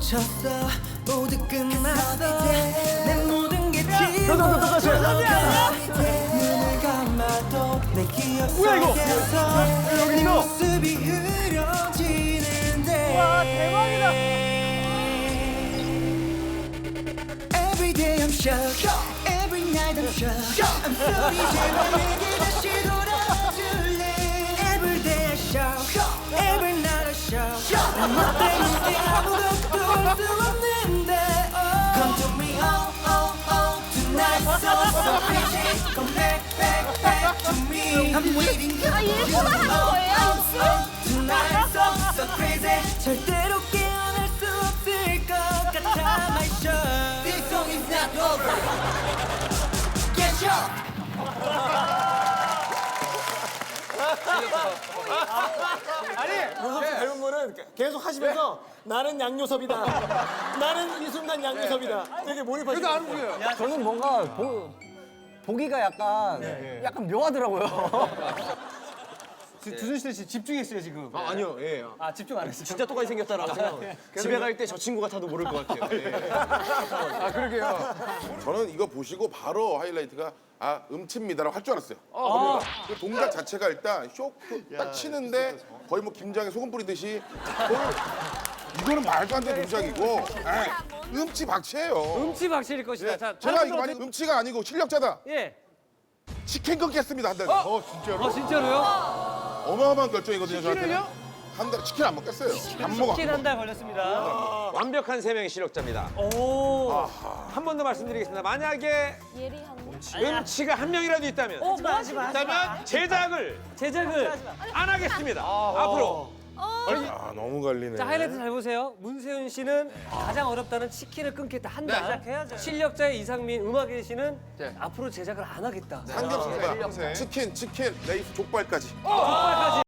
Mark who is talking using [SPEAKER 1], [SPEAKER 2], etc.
[SPEAKER 1] 멈췄어 모두 끝났어 내 모든 게 지워
[SPEAKER 2] 똑같이.
[SPEAKER 1] 눈을 감아도 내 기억 속에서 내 모습이 흐려지는데
[SPEAKER 2] 와, 대박이다.
[SPEAKER 1] Every day I'm shocked Every night I'm shocked I'm sorry 제발 내게 다시 돌아줄래 Every day I shock Every night I shock 너 때문에 아무것도 할 수 없는데 Come to me oh oh oh Tonight so crazy Come back back back to me I'm waiting
[SPEAKER 3] 아, 일부러 하는 거예요?
[SPEAKER 1] Tonight so crazy 절대로 깨어날 수 없을 것 같아 My show This song is not over Get up
[SPEAKER 2] 문섭 씨 닮은 거는 계속 하시면서 나는 양요섭이다. 나는 이 순간 양요섭이다. 되게 몰입하시고. 안 움직여요.
[SPEAKER 4] 저는 뭔가 보기가 약간 묘하더라고요.
[SPEAKER 2] 두준실 씨 집중했어요 지금.
[SPEAKER 5] 아니요, 예.
[SPEAKER 4] 아 집중 안 했어요.
[SPEAKER 5] 진짜 똑같이 생겼다라고 생각. 집에 갈 때 저 친구가 타도 모를 것 같아요. 예.
[SPEAKER 2] 아 그러게요.
[SPEAKER 6] 저는 이거 보시고 바로 하이라이트가 아 음치입니다라고 할 줄 알았어요. 그 동작 자체가 일단 쇼크 딱 치는데 거의 뭐 김장에 소금 뿌리듯이 이거는 말도 안 되는 동작이고 음치 박치예요.
[SPEAKER 7] 음치 박실일 것이다.
[SPEAKER 6] 예,
[SPEAKER 7] 자,
[SPEAKER 6] 제가
[SPEAKER 7] 다른
[SPEAKER 6] 이거
[SPEAKER 7] 분들
[SPEAKER 6] 만약 음치가 아니고 실력자다.
[SPEAKER 7] 예.
[SPEAKER 6] 치킨 끊겠습니다 한 달. 진짜로?
[SPEAKER 7] 진짜로요?
[SPEAKER 6] 어마어마한 결정이거든요.
[SPEAKER 7] 치킨을요?
[SPEAKER 6] 저한테는. 한 달 치킨 안 먹겠어요. 안 먹어.
[SPEAKER 7] 치킨 한 달 걸렸습니다.
[SPEAKER 8] 완벽한 세 명의 실력자입니다.
[SPEAKER 7] 오.
[SPEAKER 8] 한 번 더 말씀드리겠습니다. 만약에
[SPEAKER 3] 예리한.
[SPEAKER 8] 음치가 한 명이라도 있다면,
[SPEAKER 7] 뭐 하지 마.
[SPEAKER 8] 있다면 제작을
[SPEAKER 7] 제작을.
[SPEAKER 8] 안 하겠습니다. 앞으로.
[SPEAKER 6] 아 너무 갈리네.
[SPEAKER 7] 자, 하이라이트 잘 보세요. 문세윤 씨는 가장 어렵다는 치킨을 끊겠다. 한 달. 실력자의 이상민, 음악의 씨는 앞으로 제작을 안 하겠다.
[SPEAKER 6] 삼겹살, 치킨, 레이스, 족발까지.
[SPEAKER 7] 족발까지.